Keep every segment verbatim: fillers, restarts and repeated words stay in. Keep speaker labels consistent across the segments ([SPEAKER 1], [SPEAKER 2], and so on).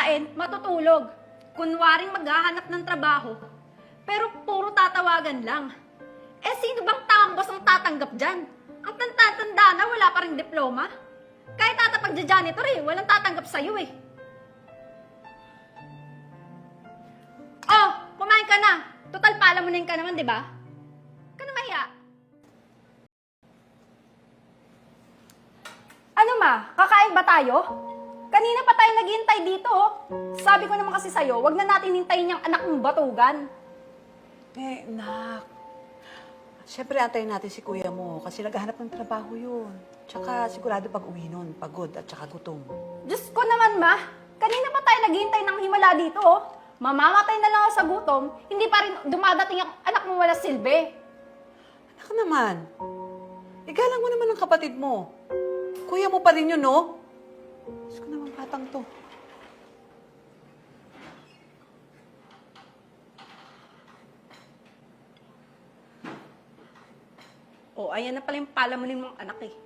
[SPEAKER 1] kakain, matutulog. Kunwaring maghahanap ng trabaho, pero puro tatawagan lang. Eh sino bang taong boss ang tatanggap dyan? Ang tanda-tanda na wala pa ring diploma. Kahit tatapag janitor eh, walang tatanggap sa'yo eh. Oh, kumain ka na. Total palamunin ka naman, di ba? Ka na mahiya. Ano ma, kakain ba tayo? Kanina pa tayo naghihintay dito oh. Sabi ko naman kasi sa'yo, wag na natin hintayin yung anak mong batugan.
[SPEAKER 2] Eh, nak. Siyempre, antayin natin si kuya mo kasi naghahanap ng trabaho yun. Tsaka sigurado pag uwi nun, pagod at tsaka gutom.
[SPEAKER 1] Diyos ko naman ma, kanina pa tayo naghihintay ng himala dito oh. Mamamatay na lang ako sa gutom, hindi pa rin dumadating ang anak mo wala silbi.
[SPEAKER 2] Anak naman, igalang mo naman ang kapatid mo. Kuya mo pa rin yun, no? Diyos ko naman batang to.
[SPEAKER 1] Oh, ayan na pala yung palamunin mong anak eh.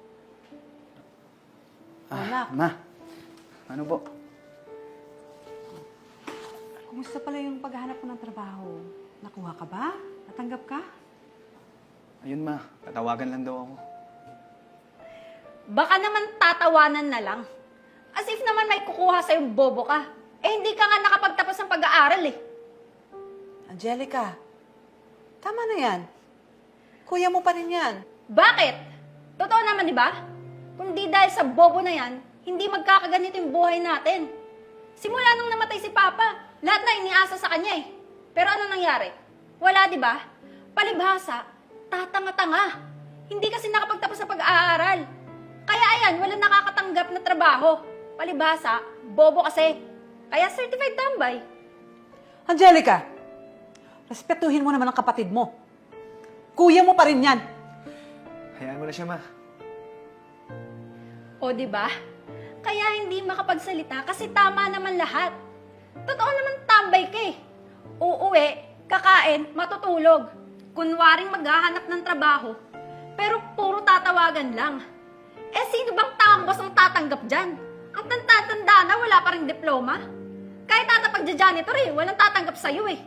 [SPEAKER 2] Ah, anak,
[SPEAKER 3] Ma, ano po?
[SPEAKER 2] kumusta pala yung paghahanap mo ng trabaho? Nakuha ka ba? Natanggap ka?
[SPEAKER 3] Ayun ma, tatawagan lang daw ako.
[SPEAKER 1] Baka naman tatawanan na lang. As if naman may kukuha sa'yong bobo ka. Eh hindi ka nga nakapagtapos ng pag-aaral eh.
[SPEAKER 2] Angelica, tama na yan. Kuya mo pa rin yan.
[SPEAKER 1] Bakit? Totoo naman, di ba? Kung di dahil sa bobo na yan, hindi magkakaganito yung buhay natin. Simula nung namatay si Papa, lahat na iniasa sa kanya eh. Pero ano nangyari? Wala, di ba? Palibhasa, tatanga-tanga. Hindi kasi nakapagtapos sa pag-aaral. Kaya ayan, wala nakakatanggap na trabaho. Palibhasa, bobo kasi. Kaya certified tambay.
[SPEAKER 2] Angelica, respetuhin mo naman ang kapatid mo. Kuya mo pa rin yan.
[SPEAKER 3] Hayaan mo na siya ma.
[SPEAKER 1] O, di ba? Kaya hindi makapagsalita kasi tama naman lahat. Totoo naman tambay ka eh. Uuwi, kakain, matutulog. Kunwaring maghahanap ng trabaho, pero puro tatawagan lang. Eh sino bang taong boss ang tatanggap dyan? Ang tanda-tanda na wala pa ring diploma. Kahit tatapag janitor eh, walang tatanggap sa'yo eh.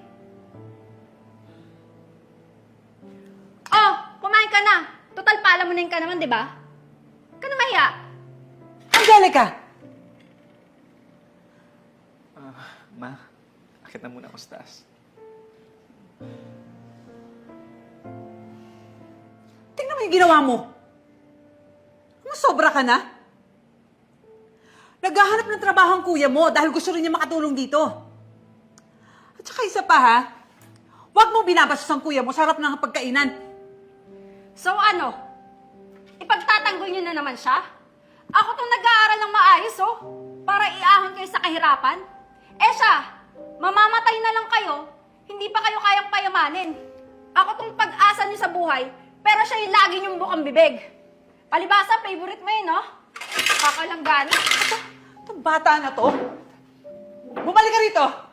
[SPEAKER 1] Oh, kumain ka na. Total palamunin ka naman, di ba? Ka na mahiya.
[SPEAKER 2] Angelica!
[SPEAKER 3] Ah, ma, akit na muna ako sa taas.
[SPEAKER 2] Tingnan mo yung ginawa mo. Masobra ka na. Naghahanap ng trabaho ang kuya mo dahil gusto rin niya makatulong dito. At saka isa pa ha, huwag mo binabastos ang kuya mo sa harap ng pagkainan.
[SPEAKER 1] So ano? Ipagtatanggol niyo na naman siya? Ako tong nag-aaral ng maayos, oh, para iahon kayo sa kahirapan. Eh siya, mamamatay na lang kayo, hindi pa kayo kayang payamanin. Ako tong pag-asa niyo sa buhay, pero siya yung lagi niyong bukang bibig. Palibasa, favorite mo yun, no? Kakalanggana.
[SPEAKER 2] Itong bata na to, bumalik ka rito.